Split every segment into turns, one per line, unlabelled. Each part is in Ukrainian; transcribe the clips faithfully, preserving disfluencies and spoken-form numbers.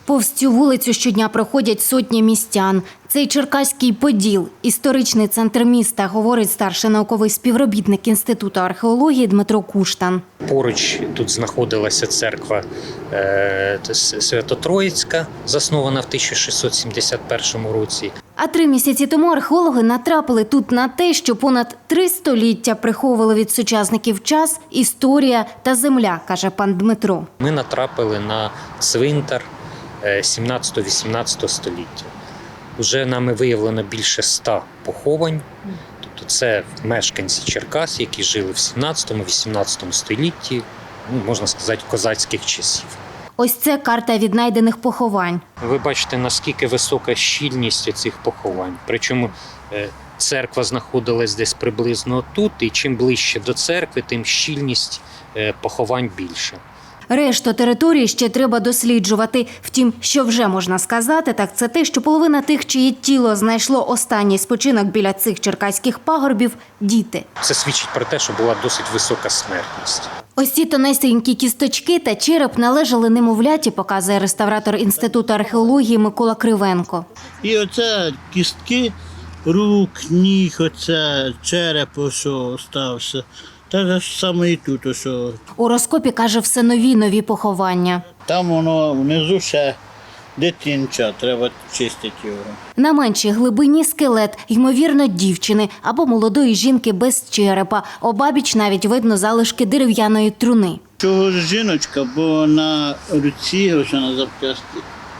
Повз цю вулицю щодня проходять сотні містян. Цей Черкаський Поділ – історичний центр міста, говорить старший науковий співробітник Інституту археології Дмитро Куштан.
Поруч тут знаходилася церква е, Свято-Троїцька, заснована в тисяча шістсот сімдесят першому році.
А три місяці тому археологи натрапили тут на те, що понад три століття приховували від сучасників час, історія та земля, каже пан Дмитро.
Ми натрапили на цвинтар сімнадцятого-вісімнадцятого століття. Уже нами виявлено більше ста поховань. Тобто це мешканці Черкас, які жили в сімнадцятому-вісімнадцятому столітті, ну, можна сказати, козацьких часів.
Ось це карта віднайдених поховань.
Ви бачите, наскільки висока щільність цих поховань. Причому церква знаходилась десь приблизно тут, і чим ближче до церкви, тим щільність поховань більша.
Решту території ще треба досліджувати. Втім, що вже можна сказати, так це те, що половина тих, чиє тіло знайшло останній спочинок біля цих черкаських пагорбів – діти.
Це свідчить про те, що була досить висока смертність.
Ось ці тонесенькі кісточки та череп належали немовляті, показує реставратор Інституту археології Микола Кривенко.
І оце кістки рук, ніг, оце череп, що стався. Так ж саме і тут. Ось.
У розкопі, каже, все нові нові поховання.
Там воно внизу ще дитинча, треба чистити його.
На меншій глибині скелет, ймовірно, дівчини або молодої жінки без черепа. Обабіч навіть видно залишки дерев'яної труни.
Чого ж жіночка, бо на руці, ось на зап'ясті,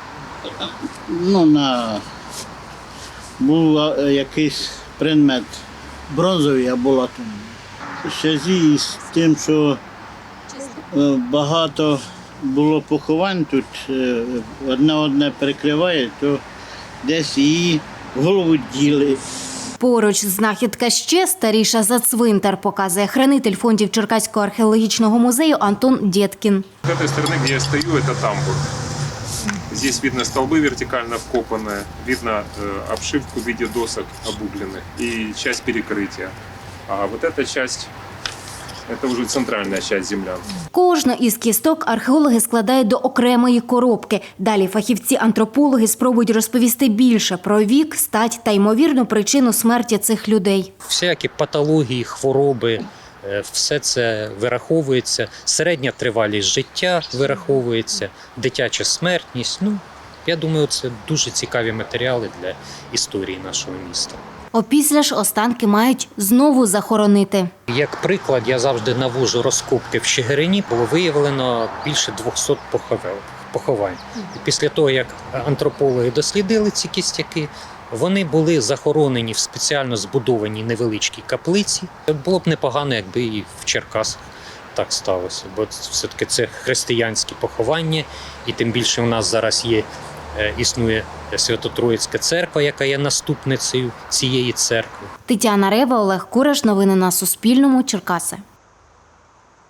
ну, на... був якийсь предмет бронзовий або латунний. В зв'язку з тим, що багато було поховань тут, одне-одне перекриває, то десь її голову діли.
Поруч знахідка ще старіша за цвинтар, показує хранитель фондів Черкаського археологічного музею Антон Дєткін.
С этой стороны, где я стою, это тамбур. Здесь видно столбы вертикально вкопанные, видно э, обшивку в виде досок обугленных и часть перекрытия. А вот эта часть – это уже центральная часть землян.
Кожну із кісток археологи складають до окремої коробки. Далі фахівці-антропологи спробують розповісти більше про вік, стать та ймовірну причину смерті цих людей.
Всякі патології, хвороби – все це вираховується. Середня тривалість життя вираховується, дитяча смертність. Ну, я думаю, це дуже цікаві матеріали для історії нашого міста.
Опісля ж останки мають знову захоронити.
Як приклад, я завжди навожу розкопки в Чигирині. Було виявлено більше двохсот поховань. І після того, як антропологи дослідили ці кістяки, вони були захоронені в спеціально збудованій невеличкій каплиці. Було б непогано, якби і в Черкасах так сталося, бо все-таки це християнські поховання, і тим більше у нас зараз є існує Свято-Троїцька церква, яка є наступницею цієї церкви.
Тетяна Рева, Олег Кураш. Новини на Суспільному. Черкаси.